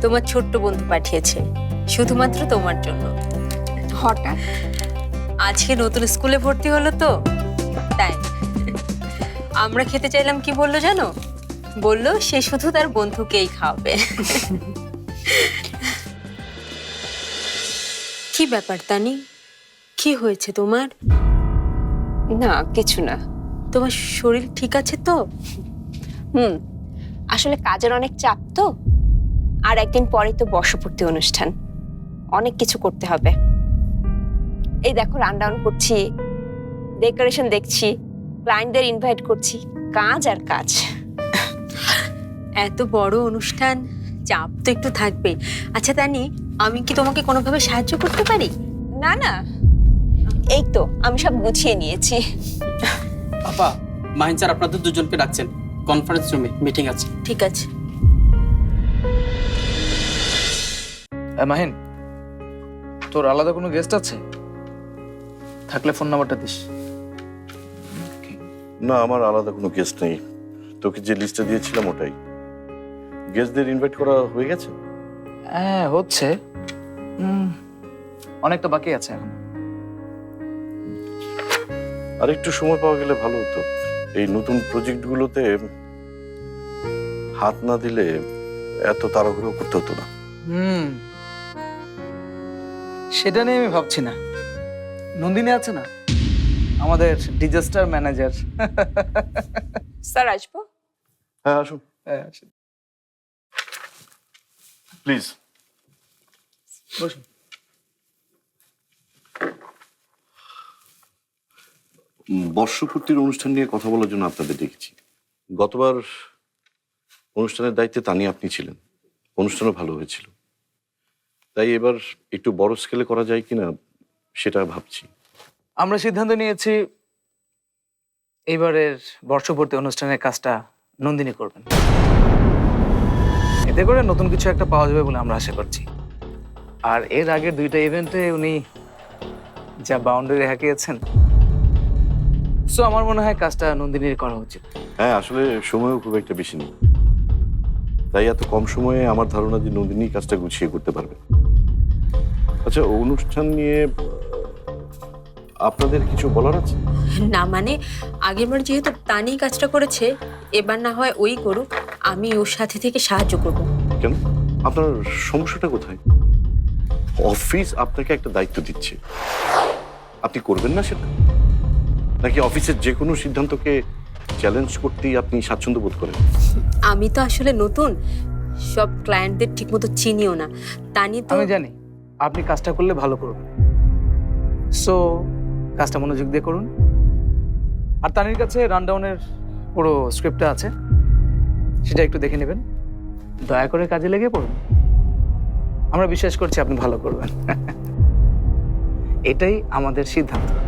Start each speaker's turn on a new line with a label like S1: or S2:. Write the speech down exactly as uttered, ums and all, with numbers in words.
S1: তোমার ছোট্ট বন্ধু পাঠিয়েছে শুধুমাত্র তোমার জন্য।
S2: হঠাৎ
S1: আজকে নতুন স্কুলে ভর্তি হলো তো তাই। আমরা খেতে চাইলাম, কি বললো জানো? বললো সে শুধু তার বন্ধুকেই খাওয়াবে। কি ব্যাপার তানি, কি হয়েছে তোমার?
S2: না, কিছু না।
S1: তোমার শরীর ঠিক আছে তো?
S2: হুম, আসলে কাজের অনেক চাপ তো, আর একদিন পরে তো বর্ষপূর্তি অনুষ্ঠান, অনেক কিছু করতে হবে। এই দেখো, রানডাউন করছি, ডেকোরেশন দেখছি, ক্লায়েন্টদের ইনভাইট করছি, কাজ আর কাজ।
S1: এত বড় অনুষ্ঠান, চাপ তো একটু থাকবেই। আচ্ছা তানি, আমি কি তোমাকে কোনোভাবে সাহায্য করতে পারি?
S2: না না, এই তো আমি সব গুছিয়ে নিয়েছি।
S3: আপা, মাহিন স্যার আপনাদের দুজনকে ডাকছেন, কনফারেন্স রুমে মিটিং আছে।
S1: ঠিক আছে।
S4: মাহিন, তোর আলাদা কোনো গেস্ট আছে? থাকলে ফোন নাম্বারটা দিস।
S5: না, আমার আলাদা কোনো গেস্ট নেই। তোকে যে লিস্টটা দিয়েছিলাম ওটাই। গেস্টদের ইনভাইট করা হয়ে গেছে?
S4: হ্যাঁ, হচ্ছে। হুম, অনেকটা বাকি আছে এখন।
S5: আর একটু সময় পাওয়া গেলে ভালো হতো। এই নতুন প্রজেক্টগুলোতে হাত না দিলে এত তাড়াহুড়ো করতে হতো না।
S4: হুম, সেটা নিয়ে আমি ভাবছি না। নন্দিনী আছে না, আমাদের ডিজাস্টার ম্যানেজার।
S2: স্যার, আসবো?
S5: হ্যাঁ, আসুন প্লিজ।
S4: বসুন।
S5: বর্ষপূর্তির অনুষ্ঠান নিয়ে কথা বলার জন্য আপনাদের ডেকেছি। গতবার অনুষ্ঠানের দায়িত্বে তানি আপনি ছিলেন, অনুষ্ঠানও ভালো হয়েছিল। তাই এবার একটু বড় স্কেলে করা যায় কিনা সেটা ভাবছি।
S4: আমরা সিদ্ধান্ত নিয়েছি এইবারের বর্ষপূর্তি অনুষ্ঠানের কাজটা নন্দিনী করবেন। এতে করে নতুন কিছু একটা পাওয়া যাবে বলে আমরা আশা করছি। আর এর আগের দুইটা ইভেন্টে উনি যা বাউন্ডারি হাঁকিয়েছেন, সো আমার মনে হয় কাজটা নন্দিনীর করা উচিত।
S5: হ্যাঁ, আসলে সময়ও খুব একটা বেশি নেই, তাই এত কম সময়ে আমার ধারণা যে নন্দিনী কাজটা গুছিয়ে করতে পারবে। আচ্ছা, অনুষ্ঠান নিয়ে আপনাদের কিছু বলার আছে?
S1: না মানে, আগেরবার যেহেতু তানি কাজটা করেছে, এবার না হয় ওই করুক, আমি ওর সাথে থেকে সাহায্য করব।
S5: কেন? আপনার সমস্যাটা কোথায়? অফিস আপনাকে একটা দায়িত্ব দিচ্ছে, আপনি করবেন না সেটা? নাকি অফিসের যে কোনো সিদ্ধান্তকে চ্যালেঞ্জ করতেই আপনি স্বাচ্ছন্দ্য বোধ করেন?
S1: আমি তো আসলে নতুন, সব ক্লায়েন্টদের ঠিকমতো চিনিও না। তানি তো
S4: আমি জানি আপনি কাজটা করলে ভালো করবেন, সো কাজটা মনোযোগ দিয়ে করুন। আর তানির কাছে রানডাউনের পুরো স্ক্রিপ্টটা আছে, সেটা একটু দেখে নেবেন। দয়া করে কাজে লেগে পড়ুন, আমরা বিশ্বাস করছি আপনি ভালো করবেন। এটাই আমাদের সিদ্ধান্ত।